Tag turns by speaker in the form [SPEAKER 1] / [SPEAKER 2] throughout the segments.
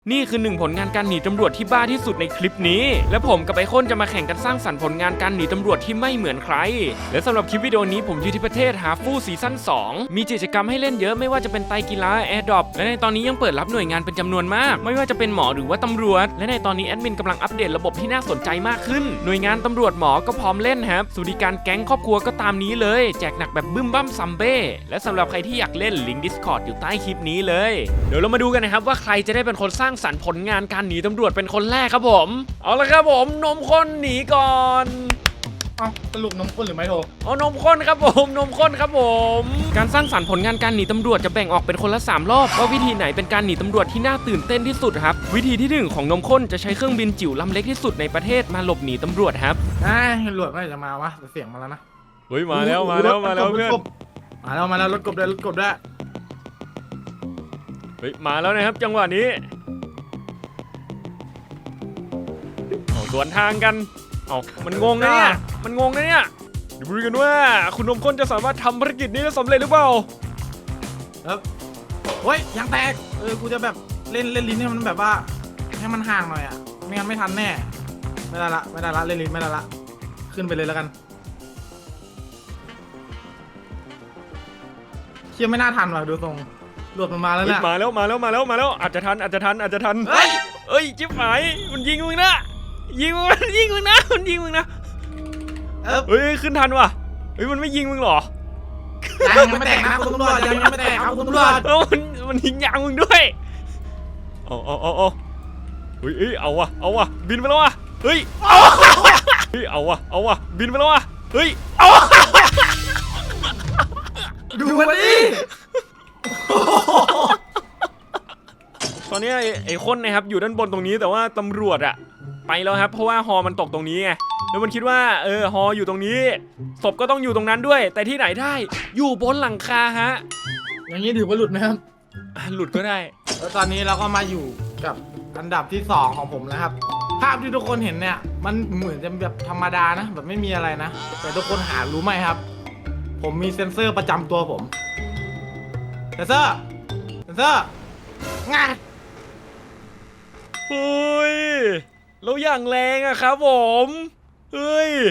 [SPEAKER 1] นี่คือ1ผลงานการหนีตำรวจที่บ้าที่สุดในคลิปนี้และผมกับไอคอนจะมาแข่งกันสร้างสรรค์ผลงานการหนีตำรวจที่ไม่เหมือนใครและสำหรับคลิปวิดีโอนี้ผมอยู่ที่ประเทศฮาฟูซีซั่น2มีกิจกรรมให้เล่นเยอะไม่ว่าจะเป็นไตรกีฬาแอร์ดรอปและในตอนนี้ยังเปิดรับหน่วยงานเป็นจำนวนมากไม่ว่าจะเป็นหมอหรือว่าตำรวจและในตอนนี้แอดมินกำลังอัปเดตระบบที่น่าสนใจมากขึ้นหน่วยงานตำรวจหมอก็พร้อมเล่นครับสวัสดิการแก๊งครอบครัวก็ตามนี้เลยแจกหนักแบบบึ้มบั้มซัมเบ้และสำหรับใครที่อยากเล่นลิงก์ Discord อยู่ใต้คลิปนี้เลยเดี๋ยวเรามาดูกันนะครับว่าใครจะได้เป็นคนสร้างสรรค์ผลงานการหนีตำรวจเป็นคนแรกครับผมเอาละครับผมนมข้นหนีก่อน
[SPEAKER 2] สรุปนมข้นหรือไม่โทร
[SPEAKER 1] เอานมข้นครับผมนมข้นครับผมการสร้างสรรค์ผลงานการหนีตำรวจจะแบ่งออกเป็นคนละ3รอบว่าวิธีไหนเป็นการหนีตำรวจที่น่าตื่นเต้นที่สุดครับวิธีที่1ของนมข้นจะใช้เครื่องบินจิ๋วลำเล็กที่สุดในประเทศมาหลบหนีตำรวจครับ
[SPEAKER 2] ตำรวจไม่จะมาวะเสียงมาแล้วนะ
[SPEAKER 1] เฮ้ยมาแล้วเพื่อน
[SPEAKER 2] มาแล้วรถกบด้วย
[SPEAKER 1] เฮ้ยมาแล้วนะครับจังหวะนี้สวนทางกันมันงงนะเนี่ยมันงงนะเนี่ยเดี๋ยวดูกันว่าคุณนมข้นจะสามารถทำภารกิจนี้ได้สำเร็จหรือเปล่า
[SPEAKER 2] เฮ้ยยังแตกกูจะแบบเล่นลิ้นให้มันแบบว่าให้มันห่างหน่อยอ่ะไม่งั้นไม่ทันแน่ไม่ได้ละเล่นลิ้นไม่ได้ละขึ้นไปเลยแล้วกันเชี่ยไม่น่าทันว่ะดูทรงหลุดมันมาแล้วเนี่ย
[SPEAKER 1] มาแล้วอาจจะทันเฮ้ยจิ๊บหายมันยิงมึงนะยิงมึงนะมันยิงมึงนะเฮ้ยขึ้นทันว่ะเฮ้ยมันไม่ยิงมึงหรอ
[SPEAKER 2] ยังไม่แตกนะคุณตำรวจยังไม่แตกครับคุณตำรวจ
[SPEAKER 1] มันยิงยางมึงด้วยเอาเฮ้ยเอาว่ะบินไปแล้วว่ะเฮ้ยเอาว่ะบินไปแล้วว่ะเฮ้ยเอา
[SPEAKER 2] ดูมันดิ
[SPEAKER 1] ตอนนี้ไอ้คนนะครับอยู่ด้านบนตรงนี้แต่ว่าตำรวจอะไปแล้วครับเพราะว่าฮอมันตกตรงนี้ไงแล้วมันคิดว่าฮออยู่ตรงนี้ศพก็ต้องอยู่ตรงนั้นด้วยแต่ที่ไหนได้อยู่บนหลังคาฮะ
[SPEAKER 2] อย่างนี้ถือว่าหลุดไหมครับ
[SPEAKER 1] หลุดก็ได้
[SPEAKER 2] แล้วตอนนี้เราก็มาอยู่กับอันดับที่2ของผมนะครับภาพที่ทุกคนเห็นเนี่ยมันเหมือนจะแบบธรรมดานะแบบไม่มีอะไรนะแต่ทุกคนหารู้ไหมครับผมมีเซ็นเซอร์ประจำตัวผมเซ็นเซอร์งาน
[SPEAKER 1] เฮ้ยแล้วอย่างแรงอะครับผมเฮ้ย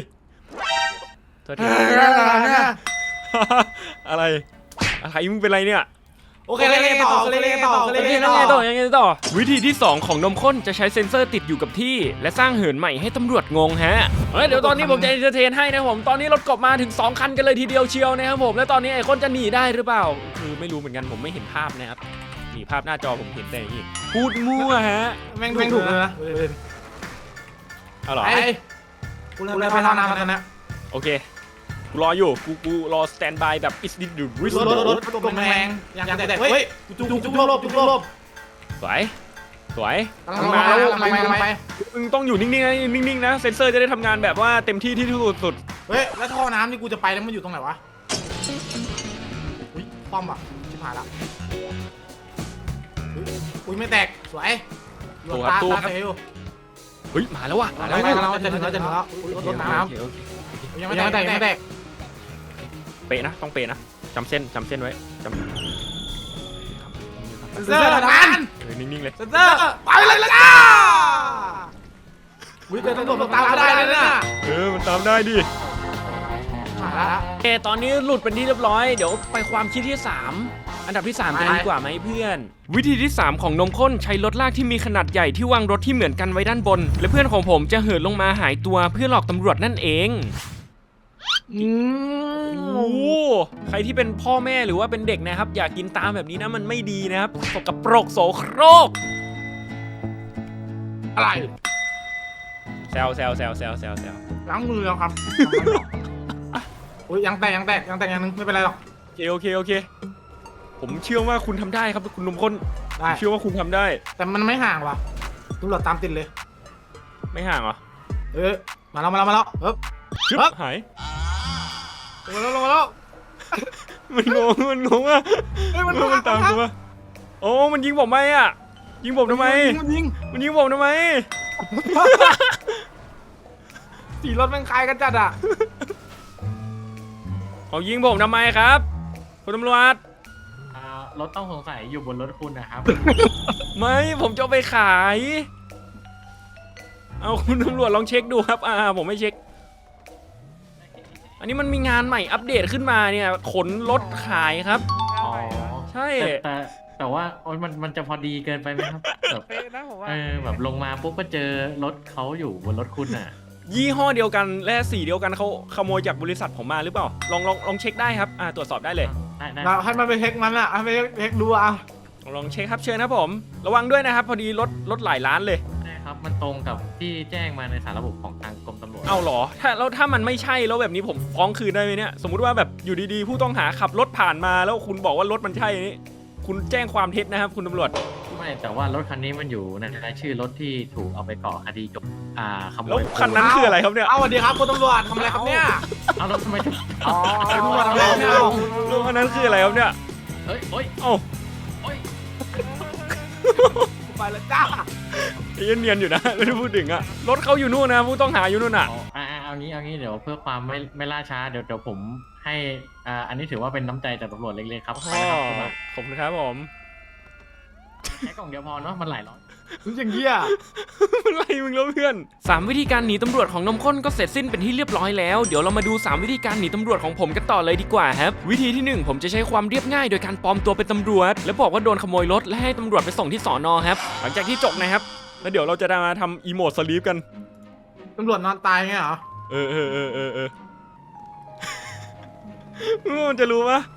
[SPEAKER 1] อะไรมึงเป็นไรเนี่ย
[SPEAKER 2] โอเคเล่นต่อ
[SPEAKER 1] วิธีที่2ของนมข้นจะใช้เซ็นเซอร์ติดอยู่กับที่และสร้างเหินใหม่ให้ตำรวจงงฮะเดี๋ยวตอนนี้ผมจะเอนเตอร์เทนให้นะผมตอนนี้รถกบมาถึง2คันกันเลยทีเดียวเชียวนะครับผมแล้วตอนนี้ไอ้คนจะหนีได้หรือเปล่าคือไม่รู้เหมือนกันผมไม่เห็นภาพนะครับนี่ภาพหน้าจอผมเห็นแต่อย่างนี้พูดมั่วฮะ
[SPEAKER 2] แม่งถูกเลยนะ
[SPEAKER 1] เอาหรอ
[SPEAKER 2] กูเลยไปทำน้ำกันนะ
[SPEAKER 1] โอเคกูรออยู่กูรอสแตนบายแบบอิสดิดูริส
[SPEAKER 2] รถกลมแรงยังแต่เฮ้ยจุกลบ
[SPEAKER 1] สวย
[SPEAKER 2] มาไป
[SPEAKER 1] มึงต้องอยู่นิ่งๆนะเซนเซอร์จะได้ทำงานแบบว่าเต็มที่ที่สุด
[SPEAKER 2] เฮ้ยแล้วท่อน้ำนี่กูจะไปแล้วมันอยู่ตรงไหนวะอุ้ยคว่ำอ่ะชิบหายละอุ้ยไม่แตกสวยตาเซล
[SPEAKER 1] เฮ้ยมาแล้วว่ะ
[SPEAKER 2] จะถึงแล้วรถน้ำยังไม่แตก
[SPEAKER 1] เป๊ะนะต้องเป๊ะนะจำเส้นไว้
[SPEAKER 2] เซอร์ทัน
[SPEAKER 1] นิ่งๆเลย
[SPEAKER 2] เซอร์ไปเลยจ้าวิ่งตำรวจตามได้เลยนะ
[SPEAKER 1] มันตามได้ดิตอนนี้หลุดเป็นที่เรียบร้อยเดี๋ยวไปความคิดที่3อันดับที่3กันดีกว่าไหมเพื่อนวิธีที่3ของนมข้นใช้รถลากที่มีขนาดใหญ่ที่วางรถที่เหมือนกันไว้ด้านบนและเพื่อนของผมจะเหินลงมาหายตัวเพื่อหลอกตำรวจนั่นเองใครที่เป็นพ่อแม่หรือว่าเป็นเด็กนะครับอย่ากินตามแบบนี้นะมันไม่ดีนะครับสกปรกโสโครก
[SPEAKER 2] อะไร
[SPEAKER 1] แซว
[SPEAKER 2] ล้างมือแล้วครับยังแตกอย่างนึงไม่เป็นไรหรอก
[SPEAKER 1] โอเคผมเชื่อว่าคุณทำได้ครับคุณนมข้นเชื่อว่าคุณทำได้
[SPEAKER 2] แต่มันไม่ห่างว่ะตำรวจตามติดเลย
[SPEAKER 1] ไม่ห่างเหรอ
[SPEAKER 2] มาแล้ว
[SPEAKER 1] หาย
[SPEAKER 2] ลงมาแล้ว
[SPEAKER 1] มันงงอ่ะมันตามตัวโอ้มันยิงผมไหมอ่ะยิงผมทำไมมันยิงผมทำไม
[SPEAKER 2] สีรถมันคล้ายกันจัดอ่ะ
[SPEAKER 1] เขายิงผมทำไมครับคุณตำรวจ
[SPEAKER 3] รถต้องสงสัยอยู่บนรถคุณนะครับ
[SPEAKER 1] ไม่ผมจะเอาไปขาย เอาคุณตำรวจลองเช็คดูครับผมไม่เช็ค อันนี้มันมีงานใหม่อัปเดตขึ้นมาเนี่ยขนรถขายครับ
[SPEAKER 3] อ๋อ
[SPEAKER 1] ใช่
[SPEAKER 3] แต่ว่าโอ๊ยมันจะพอดีเกินไปไหมครับแบบ
[SPEAKER 4] เป๊ะนะผมว่า
[SPEAKER 3] แบบลงมาปุ๊บก็เจอรถเขาอยู่บนรถคุณอ่ะ
[SPEAKER 1] ยี่ห้อเดียวกันและสีเดียวกันเขาขโมยจากบริษัทผมมาหรือเปล่าลองเช็คได้ครับตรวจสอบได้เลย
[SPEAKER 3] ได้
[SPEAKER 2] เราให้มันไปเช็คมันอะให้ไปเช็คดูอะ
[SPEAKER 1] ลองเช็คครับเชิญครับผมระวังด้วยนะครับ พอดีรถหลายล้านเลย
[SPEAKER 3] ได้ครับมันตรงกับที่แจ้งมาในสารระบบของทางกรมตำรวจ
[SPEAKER 1] เอาเหรอถ้ามันไม่ใช่แล้วแบบนี้ผมฟ้องคืนได้ไหมเนี่ยสมมุติว่าแบบอยู่ดีๆผู้ต้องหาขับรถผ่านมาแล้วคุณบอกว่ารถมันใช่นี่คุณแจ้งความเท็จนะครับคุณตำรวจ
[SPEAKER 3] ไม่แต่ว่ารถคันนี้มันอยู่ในรายชื่อรถที่ถูกเอาไปก่อคดีจบขโม
[SPEAKER 1] แล้ว
[SPEAKER 3] ย
[SPEAKER 1] คันนั้นคืออะไรครับเนี่ย
[SPEAKER 2] เอาสวัสดีครับคุณตำรวจทำอะไรครับเนี่ย
[SPEAKER 3] เอาแล้วทำไมถึง
[SPEAKER 4] อ๋อ
[SPEAKER 2] ตำรวจทำอะไรเนี่ย
[SPEAKER 1] แล้วคันนั้นคืออะไรครับเนี่ย
[SPEAKER 3] เฮ้ยโอ้ย
[SPEAKER 1] เอ้า
[SPEAKER 3] โอ้ย
[SPEAKER 2] ไปแล้วจ้า
[SPEAKER 1] เนียนอยู่นะ ไม่ได้พูดถึงอะรถเขาอยู่นู่นนะผู้ต้องหาอยู่นู่นอะ
[SPEAKER 3] เอางี้เดี๋ยวเพื่อความไม่ล่าช้าเดี๋ยวผมให้อันนี้ถือว่าเป็นน้ำใจจากตำรวจเล็กๆครับไปนะครับคุณมา
[SPEAKER 1] ขอบคุณครับผม
[SPEAKER 3] แค่กล่องเดียวพอเนาะมันหลายร้อย
[SPEAKER 2] รู้อย่างเงี้ย
[SPEAKER 1] อะไรมึงแล้วเพื่อน3วิธีการหนีตำรวจของนมข้นก็เสร็จสิ้นเป็นที่เรียบร้อยแล้วเดี๋ยวเรามาดู3วิธีการหนีตำรวจของผมกันต่อเลยดีกว่าครับวิธีที่1ผมจะใช้ความเรียบง่ายโดยการปลอมตัวเป็นตำรวจแล้วบอกว่าโดนขโมยรถและให้ตำรวจไปส่งที่สอนอครับหลังจากที่จบนะครับแล้วเดี๋ยวเราจะมาทำอีโมดสลีปกัน
[SPEAKER 2] ตำรวจนอนตายไงเหรอ
[SPEAKER 1] เออ มันจะรู้ปะ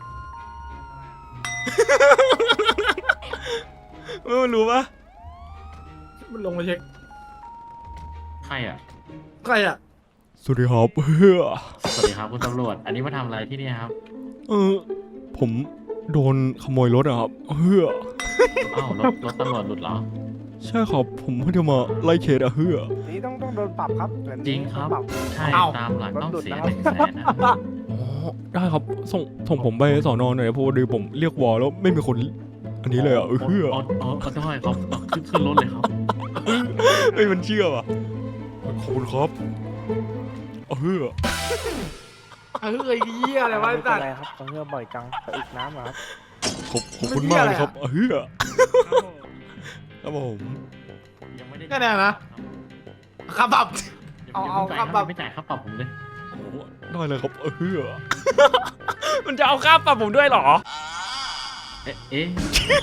[SPEAKER 1] มันรู้ปะ
[SPEAKER 2] มันลงมาเช็ค
[SPEAKER 3] ใครอ่ะ
[SPEAKER 2] ใครอะ
[SPEAKER 1] สวัสดีครับเฮ้อ
[SPEAKER 3] สวัสดีครับคุณตำรวจอันนี้มาทำอะไรที่นี่ครับ
[SPEAKER 1] ผมโดนขโมยรถอะครับเฮ้อ
[SPEAKER 3] อ้าวรถตำรวจหลุดเหรอ
[SPEAKER 1] ใช่ครับผมเพิ่งจะมาไล่เคสอะเฮ้อ
[SPEAKER 4] นี่ต้องโดนปรับครับเหมือน
[SPEAKER 3] จริงครับ
[SPEAKER 4] ปรับ
[SPEAKER 3] ใช่ตามหลังต้องเสีย100,000นะ
[SPEAKER 1] อ๋อได้ครับส่งผมไปสอนอหน่อยเพราะว่าดีผมเรียกวอลแล้วไม่มีคนอันนี้เลยอะเฮ้อ
[SPEAKER 3] ได้ครับขึ้นรถเลยครับ
[SPEAKER 1] ไม่มันเชื่อว่ะขอบคุณครับเฮ้อ
[SPEAKER 2] เฮ้ยเหี้ยอะไรวะ
[SPEAKER 4] ไม่
[SPEAKER 2] ไอ้
[SPEAKER 4] เป็
[SPEAKER 2] สั
[SPEAKER 4] น
[SPEAKER 2] ตว์
[SPEAKER 4] ไรครับต้องเงื่อบ่อยจังไปอึกน้ำเหรอครับ
[SPEAKER 1] ขอบคุณมากเลยครับเฮ้อครับผม
[SPEAKER 3] ยังไม่ได้
[SPEAKER 2] แค่นี้นะขับแบบ เอาครับแบบ
[SPEAKER 3] ไม่จ่ายค่าปรับผมเลย
[SPEAKER 1] โอ้โหได้เลยครับเฮ้อ มันจะเอาค่าปรับผมด้วยเหรอ
[SPEAKER 3] เอ๊ะ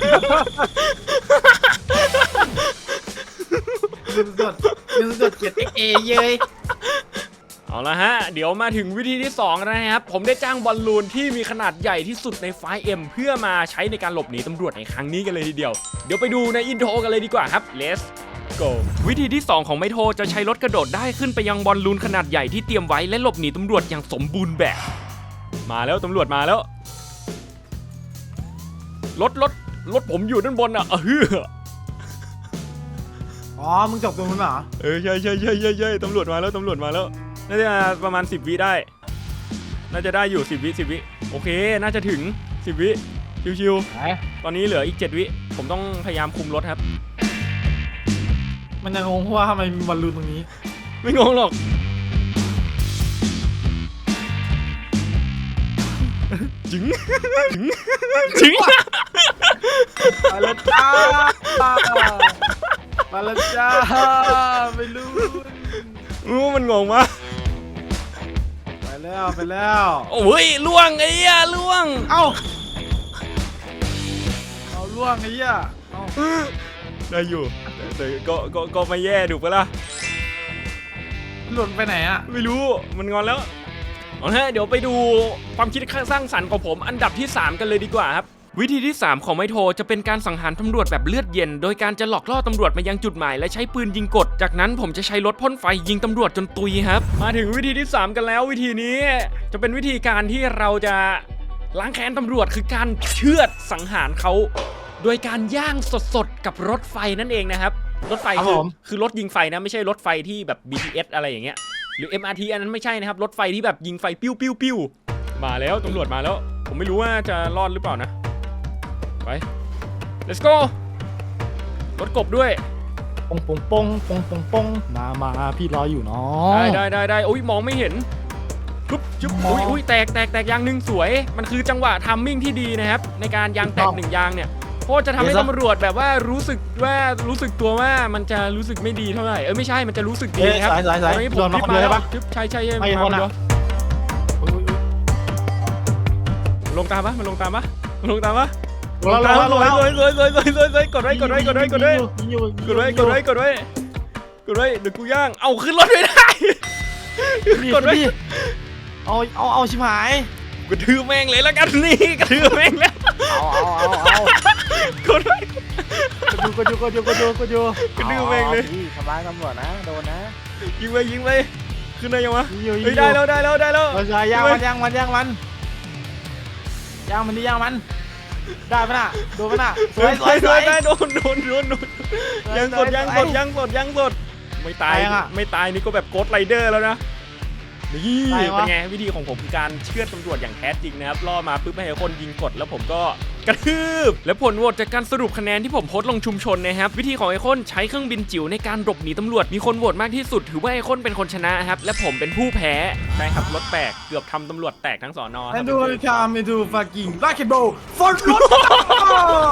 [SPEAKER 2] ยืนสดเกียรติเอเย้ย
[SPEAKER 1] เอาละฮะเดี๋ยวมาถึงวิธีที่2แล้วนะครับผมได้จ้างบอลลูนที่มีขนาดใหญ่ที่สุดในไฟล์ M เพื่อมาใช้ในการหลบหนีตำรวจในครั้งนี้กันเลยทีเดียวเดี๋ยวไปดูในอินโทรกันเลยดีกว่าครับ Let's go วิธีที่2ของไมโทจะใช้รถกระโดดได้ขึ้นไปยังบอลลูนขนาดใหญ่ที่เตรียมไว้และหลบหนีตำรวจอย่างสมบูรณ์แบบมาแล้วตำรวจมาแล้วรถผมอยู่ด้านบนอ่ะเฮ้อ
[SPEAKER 2] อ๋อมึงจบตรงนู้นเหรอ
[SPEAKER 1] ใช่ตำรวจมาแล้วน่าจะประมาณ10 วิได้น่าจะได้อยู่10 วิโอเคน่าจะถึง10 วิชิว
[SPEAKER 2] ไหน
[SPEAKER 1] ๆตอนนี้เหลืออีก7 วิผมต้องพยายามคุมรถครับ
[SPEAKER 2] มันยังงงว่าทำไมมีบอลลูนตรงนี้
[SPEAKER 1] ไม่งงหรอกจริง
[SPEAKER 2] มาแล้วจ้ามาแล้วจ้าไม่รู้
[SPEAKER 1] มันงงมาก
[SPEAKER 2] ไปแล้ว
[SPEAKER 1] โอ้ยล่วงไอ้เหี้ยล่วง
[SPEAKER 2] เอาล่วงไอ้เหี้ยเอา
[SPEAKER 1] ได้อยู่แต่ก็ไม่แย่ดูปะล่ะ
[SPEAKER 2] หล่นไปไหนอะ
[SPEAKER 1] ไม่รู้มันงอนแล้วเอาละเดี๋ยวไปดูความคิดสร้างสรรค์ของผมอันดับที่ 3 กันเลยดีกว่าครับวิธีที่ 3 ของไมโทจะเป็นการสังหารตำรวจแบบเลือดเย็นโดยการจะหลอกล่อตำรวจมายังจุดหมายและใช้ปืนยิงกดจากนั้นผมจะใช้รถพ่นไฟยิงตำรวจจนตุยครับมาถึงวิธีที่ 3 กันแล้ววิธีนี้จะเป็นวิธีการที่เราจะล้างแค้นตำรวจคือการเชือดสังหารเขาโดยการย่างสดๆกับรถไฟนั่นเองนะครับรถไฟคือรถยิงไฟนะไม่ใช่รถไฟที่แบบ BTS อะไรอย่างเงี้ยหรือ MRT อันนั้นไม่ใช่นะครับรถไฟที่แบบยิงไฟปิ้วมาแล้วตำรวจมาแล้วผมไม่รู้ว่าจะรอดหรือเปล่านะไป let's go รถกบด้วย
[SPEAKER 4] ปงมาพี่รออยู่เนาะ
[SPEAKER 1] ได้โอ้ยมองไม่เห็นปุ๊บจุ๊บอุ้ยแตกยางหนึ่งสวย มันคือจังหวะทัมมิ่งที่ดีนะครับในการยางแตกหนึ่งยางเนี่ยเพราะจะทำให้ตำรวจแบบว่ารู้สึกตัวว่ามันจะรู้สึกไม่ดีเท่าไหร่ไม่ใช่มันจะรู้สึกดีนะครับ
[SPEAKER 2] สาย
[SPEAKER 1] ตอนนี้
[SPEAKER 2] โดนมาคนเดียวได้ปะ
[SPEAKER 1] จุ๊บใช่
[SPEAKER 2] ไม่คนอะ
[SPEAKER 1] มันลงตามปะมันลงตามปะ
[SPEAKER 2] ลงแล้ว
[SPEAKER 1] สวยกดไว้เดี๋ยวกูย่างเอาขึ้นรถไม่ได้กดไว้
[SPEAKER 2] เอาชิบหาย
[SPEAKER 1] กระทืบแม่งเลยแล้วกันนี่กระทืบแม่งแล้ว
[SPEAKER 4] เอา
[SPEAKER 1] กดไว้
[SPEAKER 4] ก็ดู
[SPEAKER 1] กระดื้อแม่งเลย
[SPEAKER 4] ทำร้ายตำรวจนะโดนนะ
[SPEAKER 1] ยิงไปขึ้นได้ยังวะ
[SPEAKER 4] ยิง
[SPEAKER 1] เฮ้ยได้แล้ว
[SPEAKER 2] ย่างมันย่างมันได้ปะน่ะโดนปะน่ะสวย
[SPEAKER 1] ได้โดนยังสดไม่ตายนี่ก็แบบโกดไรเดอร์แล้วนะนี่เป็นไงวิธีของผมคือการเชื่อดตำรวจอย่างแท้จริงนะครับล่อมาปุ๊บให้คนยิงกดแล้วผมก็กระทืบและผลโหวตจากการสรุปคะแนนที่ผมโพสต์ลงชุมชนนะครับวิธีของไอคอนใช้เครื่องบินจิ๋วในการหลบหนีตำรวจมีคนโหวตมากที่สุดถือว่าไอคอนเป็นคนชนะครับและผมเป็นผู้แพ้ใช่ครับรถแตกเกือบทำตำรวจแตกทั้งสอนอ
[SPEAKER 2] and do it come into fucking rocket ball for